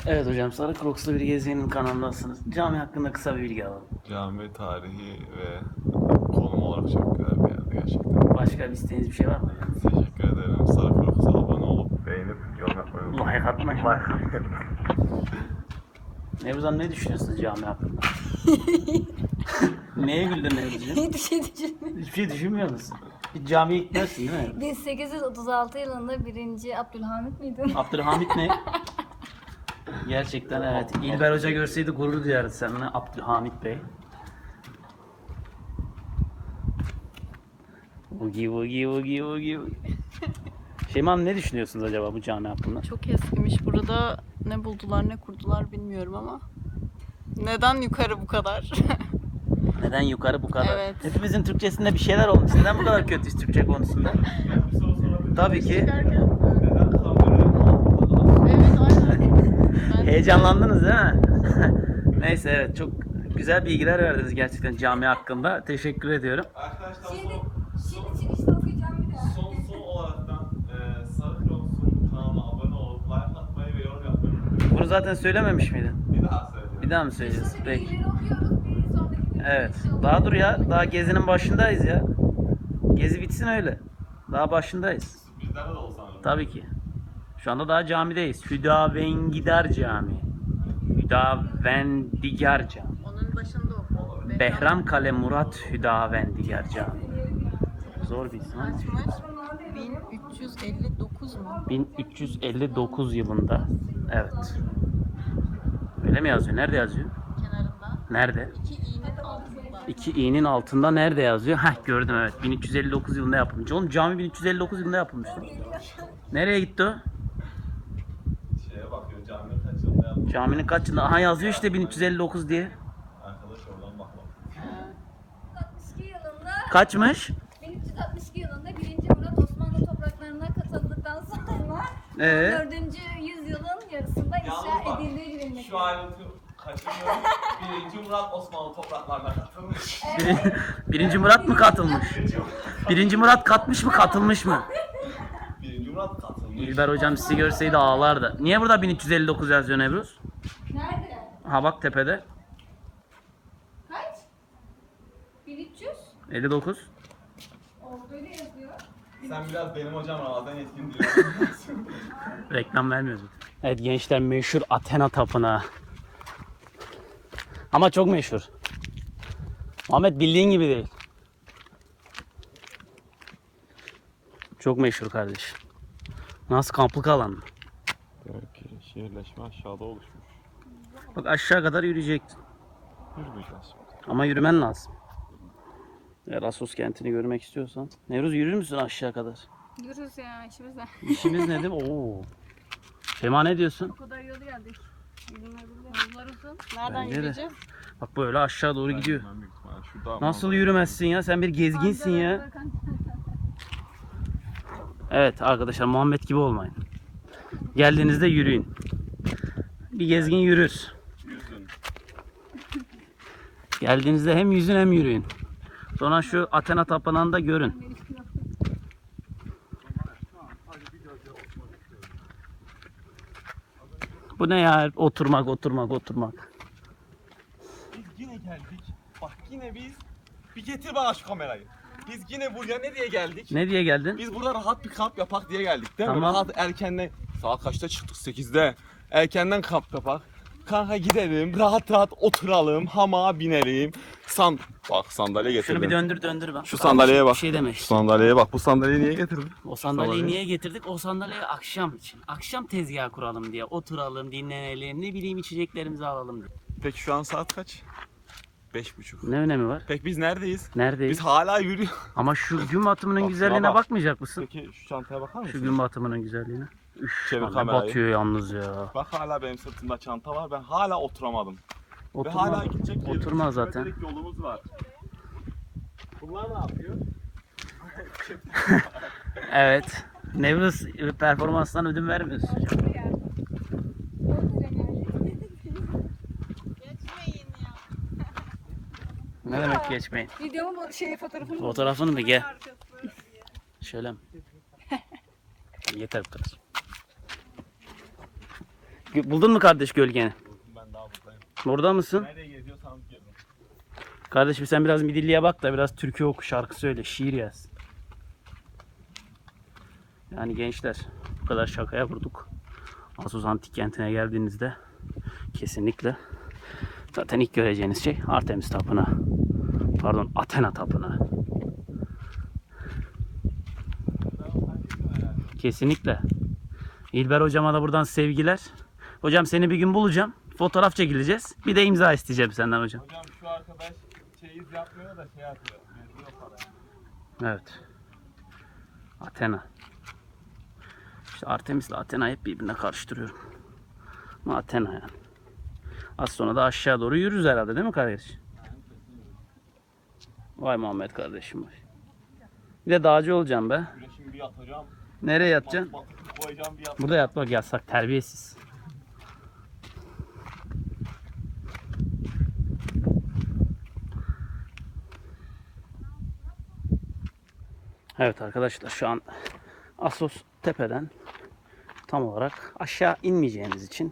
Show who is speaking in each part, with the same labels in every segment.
Speaker 1: Evet hocam, Sarı Crocs'lu bir gezegenin kanalındasınız. Cami hakkında kısa bir bilgi alalım.
Speaker 2: Cami tarihi ve konum olarak çok güzel bir yerde gerçekten.
Speaker 1: Başka bir isteğiniz bir şey var mı hocam?
Speaker 2: Teşekkür ederim. Sarı Crocs'a abone olup beğenip yorum yapmayı unutmayın.
Speaker 1: Like atmayın. Nevruzhan, ne düşünüyorsunuz cami hakkında? Neye güldün Nevruzcuğum?
Speaker 3: Hiçbir şey düşünmüyorum.
Speaker 1: Hiçbir şey düşünmüyor musun? Hiç camiye gitmezsin değil mi?
Speaker 3: 1836 yılında 1. Abdülhamit miydin?
Speaker 1: Abdülhamit ne? Gerçekten evet. İlber Hoca görseydi gurur duyardı seninle, Abdülhamit Bey. Ugi ugi ugi ugi. Şeyma Hanım, ne düşünüyorsunuz acaba bu cami hakkında?
Speaker 4: Çok eskimiş. Burada ne buldular ne kurdular bilmiyorum ama. Neden yukarı bu kadar?
Speaker 1: Neden yukarı bu kadar?
Speaker 4: Evet.
Speaker 1: Hepimizin Türkçesinde bir şeyler olmuş. Neden bu kadar kötüyüz Türkçe konusunda? Tabii ki.
Speaker 4: Evet aynen.
Speaker 1: Heyecanlandınız değil mi? Neyse, evet, çok güzel bilgiler verdiniz gerçekten cami hakkında. Teşekkür ediyorum.
Speaker 2: Arkadaşlar
Speaker 3: Şimdi çıkışta okuyacağım bir daha.
Speaker 2: son olaraktan Sarı Crocs'un kanalına abone olup like atmayı ve yorum yapmayı unutmayın.
Speaker 1: Bunu zaten söylememiş miydin?
Speaker 2: Bir daha söyleyeyim.
Speaker 1: Bir daha mı söyleyeceğiz? Peki.
Speaker 3: Bilgileri okuyoruz. Bir sonraki videoda
Speaker 1: Evet.
Speaker 3: inşallah.
Speaker 1: Daha dur ya. Daha gezinin başındayız ya. Gezi bitsin öyle. Daha başındayız.
Speaker 2: Bizlerde de olsa
Speaker 1: Tabii ki. Şu anda daha camideyiz. Hüdavengider Camii. Hüdavendigar Camii.
Speaker 4: Onun başında oku.
Speaker 1: Behramkale Murat Hüdavendigar Camii. Zor bir isim ama.
Speaker 4: Açmış. 1359 mu?
Speaker 1: 1359 yılında. Evet. Öyle mi yazıyor? Nerede yazıyor?
Speaker 4: Kenarında.
Speaker 1: Nerede?
Speaker 4: 2 iğnenin altında.
Speaker 1: 2 i'nin altında nerede yazıyor? Heh, gördüm, evet. 1359 yılında yapılmış. Oğlum, cami 1359 yılında yapılmıştı. Nereye gitti o?
Speaker 2: şeye bakıyor caminin kaç yılında yapmış.
Speaker 1: Caminin kaç yılında? Aha, yazıyor işte 1359 diye.
Speaker 2: Arkadaş oradan bakma.
Speaker 3: 1362 yılında
Speaker 1: Kaçmış?
Speaker 3: 1362 yılında 1. Murat Osmanlı topraklarına katıldıktan sonra
Speaker 1: Ee?
Speaker 3: 4. yüzyılın yarısında inşa edildiği bilinmektedir.
Speaker 2: Şu ayrıntı kaçırmıyorum. 1. Murat Osmanlı topraklarına katılmış.
Speaker 1: Birinci Murat mı katılmış? Birinci Murat katmış mı, katılmış mı?
Speaker 2: 1. Murat katılmış.
Speaker 1: İlber hocam sizi görseydi ağlardı. Niye burada 1359 yazıyor Nevruz?
Speaker 3: Nerede?
Speaker 1: Ha bak, tepede.
Speaker 3: Kaç? 1300?
Speaker 1: 59.
Speaker 3: Olduğu öyle yazıyor.
Speaker 2: Sen biraz benim hocam Ramazan Yetkin diyorsun.
Speaker 1: Reklam vermiyoruz. Evet gençler, meşhur Athena Tapınağı. Ama çok meşhur. Ahmet, bildiğin gibi değil. Çok meşhur kardeş. Nasıl, kamplık alan mı?
Speaker 2: Demek ki şehirleşme aşağıda oluşmuş.
Speaker 1: Bak, aşağı kadar yürüyecektin.
Speaker 2: Yürümeyeceğiz şimdi.
Speaker 1: Ama yürümen lazım. Eğer Assos kentini görmek istiyorsan. Nevruz, yürür müsün aşağı kadar?
Speaker 4: Yürürüz ya işimize.
Speaker 1: İşimiz nedir? Oo. Sema, ne diyorsun?
Speaker 4: O kadar yolu geldik. Yollar uzun. Nereden
Speaker 1: Bence de.
Speaker 4: yürüyeceğiz?
Speaker 1: Bak, böyle aşağı doğru gidiyor.
Speaker 2: Ben büyük ihtimalle şurada
Speaker 1: Nasıl yürümezsin ya? Sen bir gezginsin ya. Evet arkadaşlar, Muhammed gibi olmayın. Geldiğinizde yürüyün. Bir gezgin yürür.
Speaker 2: yüzün.
Speaker 1: Geldiğinizde hem yüzün hem yürüyün. Sonra şu Athena Tapınağı'nı da görün. Bu ne ya? Oturmak.
Speaker 2: Biz yine geldik. Bak yine biz. Bir getir bana şu kamerayı. Biz yine buraya ne diye geldik?
Speaker 1: Ne diye geldin?
Speaker 2: Biz burada rahat bir kamp yapak diye geldik değil mi?
Speaker 1: Tamam.
Speaker 2: Rahat erkenden. Saat kaçta çıktık? 8'de. Erkenden kamp yapak. Kanka gidelim, rahat oturalım, hamağa binelim. Bak sandalye getirdim.
Speaker 1: Şunu bir döndür bak.
Speaker 2: Şu sandalyeye bak.
Speaker 1: Bir şey deme.
Speaker 2: Şu sandalyeye bak. Bu sandalyeyi niye getirdin?
Speaker 1: O sandalyeyi niye getirdik? O sandalyeyi akşam için. Akşam tezgah kuralım diye. Oturalım, dinlenelim, ne bileyim, içeceklerimizi alalım diye.
Speaker 2: Peki şu an saat kaç? 5:30.
Speaker 1: Ne önemi var?
Speaker 2: Peki biz neredeyiz?
Speaker 1: Neredeyiz?
Speaker 2: Biz hala yürüyoruz.
Speaker 1: Ama şu gün batımının
Speaker 2: Bak,
Speaker 1: güzelliğine
Speaker 2: şuna bak.
Speaker 1: bakmayacak mısın?
Speaker 2: Peki şu çantaya bakar mısın?
Speaker 1: Şu gün batımının güzelliğine. Üf,
Speaker 2: Çevir
Speaker 1: lan ne
Speaker 2: kamerayı.
Speaker 1: batıyor yalnız ya.
Speaker 2: Bak hala benim sırtımda çanta var. Ben hala oturamadım. Ve
Speaker 1: Oturma,
Speaker 2: hala gidecek yerimiz,
Speaker 1: oturma zaten.
Speaker 2: kilometrelik yolumuz var. Bunlar ne yapıyor?
Speaker 1: Evet. Nevruz performanstan ödün vermiyorsun.
Speaker 4: Geçmeyin ya.
Speaker 1: Ne demek geçmeyin?
Speaker 4: Videomun fotoğrafını
Speaker 1: Fotoğrafını mı? Gel. Şöyle mi? Yeter bu kadar. Buldun mu kardeş gölgeni?
Speaker 2: Ben daha buradayım.
Speaker 1: Burada mısın?
Speaker 2: Nereye geziyorsanız gezin.
Speaker 1: Kardeşim sen biraz Midilli'ye bak da biraz türkü oku, şarkı söyle, şiir yaz. Yani gençler, bu kadar şakaya vurduk. Assos Antik Kenti'ne geldiğinizde kesinlikle zaten ilk göreceğiniz şey Artemis Tapınağı. Pardon, Athena Tapınağı. Kesinlikle. İlber hocama da buradan sevgiler. Hocam seni bir gün bulacağım. Fotoğraf çekileceğiz. Bir de imza isteyeceğim senden hocam.
Speaker 2: Hocam şu arkadaş çeyiz yapmıyor da şey yapıyor. Geziyor parayı.
Speaker 1: Evet. Athena. İşte Artemis'le Athena'yı hep birbirine karıştırıyorum. Ama Athena yani. Az sonra da aşağı doğru yürürüz herhalde değil mi kardeş? Vay Muhammed kardeşim vay. Bir de dağcı olacağım be.
Speaker 2: Güneşimi bir yatacağım.
Speaker 1: Nereye yatacaksın?
Speaker 2: Batıp koyacağım bir yatacağım.
Speaker 1: Burada yatmak yasak, terbiyesiz. Evet arkadaşlar şu an Assos tepeden tam olarak aşağı inmeyeceğiniz için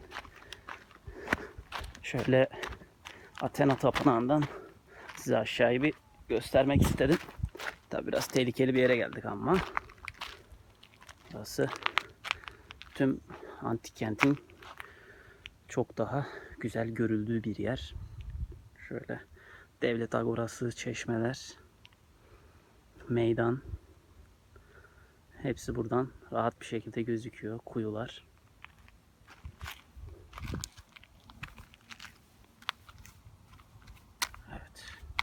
Speaker 1: şöyle Athena Tapınağı'ndan size aşağıyı bir göstermek istedim. Tabi biraz tehlikeli bir yere geldik ama burası tüm antik kentin çok daha güzel görüldüğü bir yer. Şöyle devlet agorası, çeşmeler, meydan, hepsi buradan rahat bir şekilde gözüküyor. Kuyular. Evet.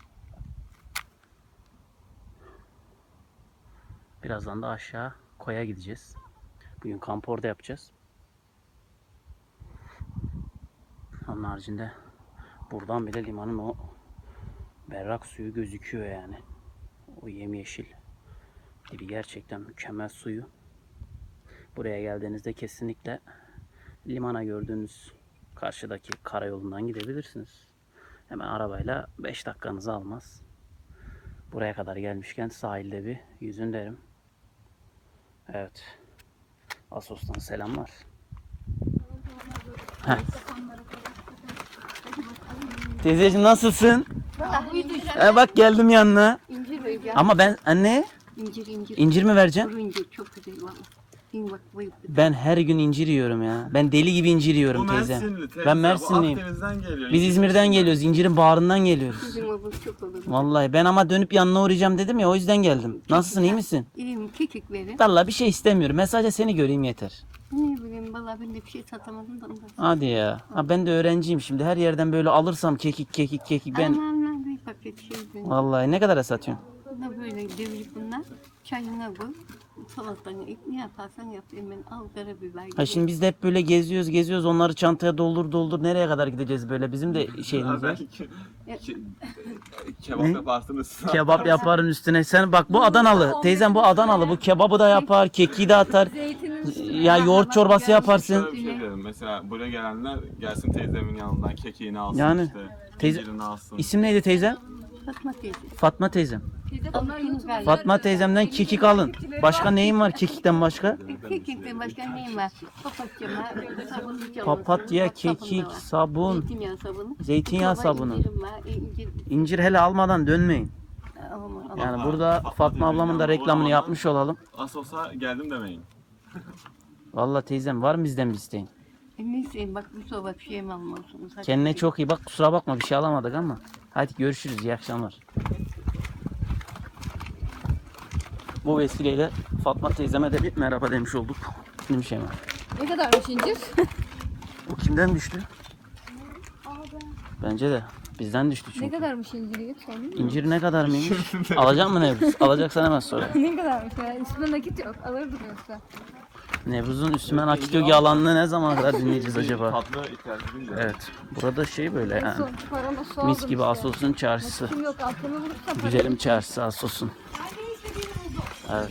Speaker 1: Birazdan da aşağı koya gideceğiz. Bugün kamp orada yapacağız. Onun haricinde buradan bile limanın o berrak suyu gözüküyor yani. O yemyeşil gibi gerçekten mükemmel suyu. Buraya geldiğinizde kesinlikle limana gördüğünüz karşıdaki karayolundan gidebilirsiniz. Hemen arabayla 5 dakikanızı almaz. Buraya kadar gelmişken sahilde bir yüzün derim. Evet. Assos'tan selamlar. Heh. Teyzeciğim nasılsın? Bak geldim yanına.
Speaker 5: İncir ver ya.
Speaker 1: Ama ben anne
Speaker 5: İncir.
Speaker 1: incir mi vereceğim?
Speaker 5: Kuru incir çok güzel valla. İn bak bu.
Speaker 1: Ben her gün incir yiyorum ya. Ben deli gibi incir yiyorum teyze. Ben Mersinliyim.
Speaker 2: Akdeniz'den geliyor.
Speaker 1: Biz İzmir'den geliyoruz. İncirin bağrından geliyoruz.
Speaker 5: Bizim o bu çok olur.
Speaker 1: Vallahi ben ama dönüp yanına uğrayacağım dedim ya o yüzden geldim. Nasılsın iyi misin?
Speaker 5: İyiyim kekik verin.
Speaker 1: Vallahi bir şey istemiyorum. Ben sadece seni göreyim yeter.
Speaker 5: Ne bileyim valla ben de bir şey satamadım da ondan.
Speaker 1: Hadi ya. Ha, ben de öğrenciyim şimdi. Her yerden böyle alırsam kekik ben.
Speaker 5: Aman bir paket şey verin.
Speaker 1: Vallahi ne kadara satıyorsun?
Speaker 5: Buna böyle devirip bunlar. Çayına koy. Salatanı et ne yaparsan yap. Hemen al karabiber.
Speaker 1: Ha şimdi biz de hep böyle geziyoruz. Onları çantaya doldur. Nereye kadar gideceğiz böyle? Bizim de şeyimiz var.
Speaker 2: Kebap yaparsınız.
Speaker 1: Kebap yaparım üstüne. Sen bak bu Adanalı. Teyzem bu Adanalı. Bu kebabı da yapar, kekiği de atar. Ya yoğurt çorbası yaparsın.
Speaker 2: Şöyle bir şey dedim. Mesela buraya gelenler gelsin teyzemin yanından kekiğini alsın
Speaker 1: Yani,
Speaker 2: işte.
Speaker 1: teyze-
Speaker 2: İncirini alsın.
Speaker 1: İsim neydi teyzem?
Speaker 5: Fatma teyze.
Speaker 1: Fatma teyzem.
Speaker 3: Onlar YouTube'da
Speaker 1: Fatma teyzemden kekik alın. Başka neyin var kekikten başka?
Speaker 5: Kekikten başka neyim var? Papatya var. Sabun hiç alırsın.
Speaker 1: Papatya,
Speaker 5: Bak, sabun da
Speaker 1: kekik,
Speaker 5: var.
Speaker 1: sabun,
Speaker 5: Zeytinyağı sabunu.
Speaker 1: zeytinyağı
Speaker 5: Baba
Speaker 1: sabunu.
Speaker 5: incirim var. İncir.
Speaker 1: İncir hele almadan dönmeyin.
Speaker 5: Aman,
Speaker 1: Yani burada Fatma ablamın da reklamını yapmış olalım.
Speaker 2: Assos'a geldim demeyin.
Speaker 1: Vallahi teyzem var mı bizden bir isteğin?
Speaker 5: Neyse bak bu soba bir şey mi almalısınız? Hadi.
Speaker 1: Kendine çok iyi bak, kusura bakma bir şey alamadık ama. Hadi görüşürüz, iyi akşamlar. Bu vesileyle Fatma teyzeme de bir merhaba demiş olduk. Değil mi Şeyma?
Speaker 3: ne kadarmış incir?
Speaker 1: Bu kimden düştü? Bence de bizden düştü
Speaker 3: Ne
Speaker 1: çünkü.
Speaker 3: kadarmış inciri?
Speaker 1: İncir ne kadar mıymış? Alacak mı Nevruz? Alacaksan hemen sonra.
Speaker 3: Ne kadarmış ya? Üstünde nakit yok. Alırdım yoksa.
Speaker 1: Nevruz'un üstüme nakit yogi alanını ne zaman kadar dinleyeceğiz acaba?
Speaker 2: Tatlı ihtiyacı değil de.
Speaker 1: Evet. Burada şey böyle yani.
Speaker 3: Son paramı su
Speaker 1: Mis
Speaker 3: aldım
Speaker 1: gibi
Speaker 3: işte.
Speaker 1: Assos'un çarşısı.
Speaker 3: Kim yok altını bulursam
Speaker 1: Güzelim çarşısı Assos'un. Evet.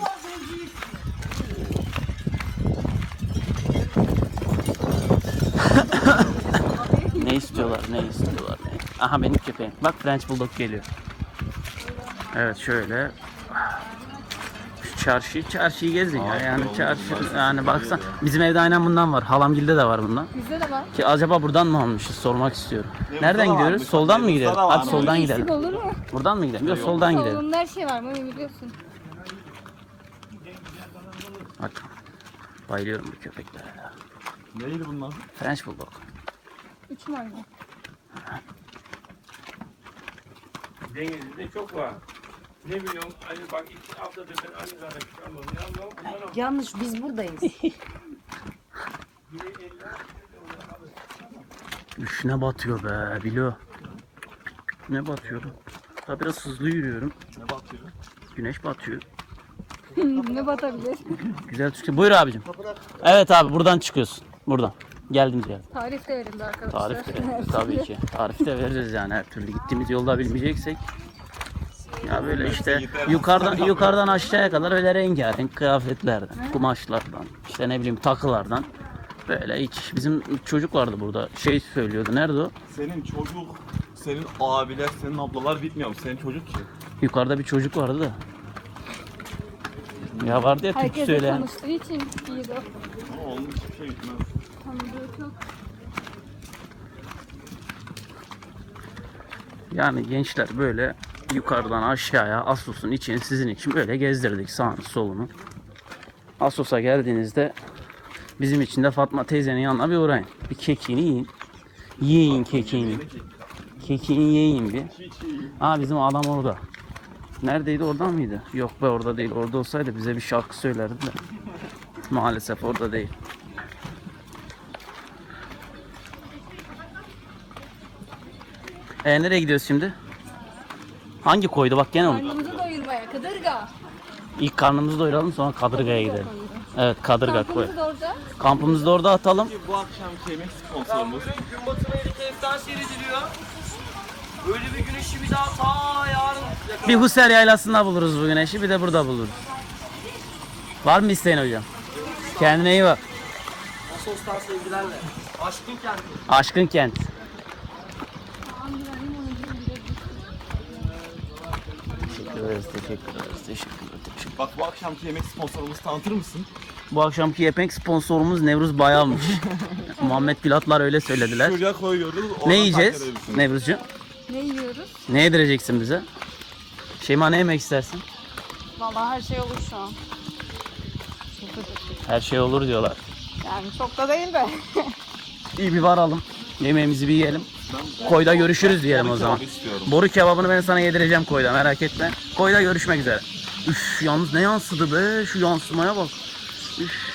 Speaker 1: Ne istiyorlar? Aha benim köpeğim. Bak French Bulldog geliyor. Evet şöyle. Şu çarşıyı gezin ya. Yani çarşı yani baksan bizim evde aynen bundan var. Halamgilde de var bundan.
Speaker 3: Bizde de var.
Speaker 1: Ki acaba buradan mı almışız sormak istiyorum. Nereden
Speaker 2: da
Speaker 1: gidiyoruz?
Speaker 2: varmış,
Speaker 1: Soldan mı
Speaker 2: Temmuz'da
Speaker 1: gidelim?
Speaker 2: da
Speaker 1: Hadi
Speaker 2: varmış.
Speaker 1: soldan
Speaker 3: Eksik
Speaker 1: gidelim.
Speaker 3: olur mu?
Speaker 1: Buradan mı gidelim? Yok soldan gidelim.
Speaker 3: Salonunda her şey var mı biliyorsun.
Speaker 1: Bak. Bayılıyorum bu köpeklere ya.
Speaker 2: Neydi bunlar?
Speaker 1: French Bulldog.
Speaker 3: 3 numara.
Speaker 6: Denizli'de çok var. Ne biliyorum hani bak 2 haftadır ben aynı zamanda çıkarmadım. Ya bundan
Speaker 7: Yanlış biz buradayız.
Speaker 1: Üf ne batıyor be Bilo. Ne batıyor? Daha biraz hızlı yürüyorum.
Speaker 2: Ne batıyor?
Speaker 1: Güneş batıyor.
Speaker 3: Ne batabilir?
Speaker 1: Güzel çıkıyor. Buyur abicim. Evet abi buradan çıkıyorsun. Buradan. Geldiğimiz yer.
Speaker 3: Tarif de verildi arkadaşlar.
Speaker 1: Tarif de tabii ki. Tarif de veririz yani her türlü. Gittiğimiz yolda bilmeyeceksek. Ya böyle işte yukarıdan aşağıya kadar öyle rengarenk kıyafetlerden, kumaşlardan, işte ne bileyim takılardan. Böyle hiç bizim çocuk vardı burada. Şey söylüyordu. Nerede o?
Speaker 2: Senin çocuk, senin abiler, senin ablalar bitmiyor mu? Senin çocuk ki.
Speaker 1: Yukarıda bir çocuk vardı da. Ya vardı ya türkü
Speaker 3: Herkese
Speaker 1: söyleyen.
Speaker 3: konuştuğu için iyiydi o.
Speaker 2: Ama onun hiçbir şey gitmez.
Speaker 3: Tanıdığı çok.
Speaker 1: Yani gençler böyle yukarıdan aşağıya Assos'un içini sizin için böyle gezdirdik sağını solunu. Assos'a geldiğinizde bizim için de Fatma teyzenin yanına bir uğrayın. Bir kekiğini yiyin. Yiyin kekiğini. Kekiğini yiyin bir. Aa bizim adam orada. Neredeydi, oradan mıydı? Yok be orada değil. Orada olsaydı bize bir şarkı söylerdi de. Maalesef orada değil. Nereye gidiyoruz şimdi? Hangi koydu bak gene unuttum.
Speaker 3: Karnımızı doyurmaya kadırga.
Speaker 1: İlk karnımızı doyuralım sonra Kadırga'ya gidelim. Evet Kadırga koy.
Speaker 3: Kampımızı da orada.
Speaker 1: Kampımızı da orada atalım.
Speaker 2: Bu akşamki yemek sponsorumuz.
Speaker 8: Gün batımı helikopter seyrediliyor. Böyle bir güneşi bir daha ta yarın
Speaker 1: Bir Husser Yaylası'nda buluruz bu güneşi, bir de burada buluruz. Var mı isteğin hocam? Kendine iyi bak.
Speaker 8: Asos'tan sevgilerle. Aşkın kenti.
Speaker 1: Aşkın kent. Teşekkür ederiz, teşekkür ederiz.
Speaker 2: Bak bu akşamki yemek sponsorumuzu tanıtır mısın?
Speaker 1: Bu akşamki yemek sponsorumuz Nevruz Bayalmış. Muhammed Pilatlar öyle söylediler.
Speaker 2: Şuraya koyuyoruz.
Speaker 1: Ne yiyeceğiz Nevruzcuğum?
Speaker 3: Ne yiyoruz?
Speaker 1: Ne yedireceksin bize? Şeyma ne yemek istersin?
Speaker 4: Vallahi her şey olur şu an.
Speaker 1: Her şey olur diyorlar.
Speaker 4: Yani çok da değil de.
Speaker 1: İyi bir varalım. Yemeğimizi bir yiyelim. Koyda görüşürüz diyelim o zaman.
Speaker 2: istiyorum.
Speaker 1: Boru kebabını ben sana yedireceğim koyda, merak etme. Koyda görüşmek üzere. Üf yalnız ne yansıdı be, şu yansımaya bak. Üf.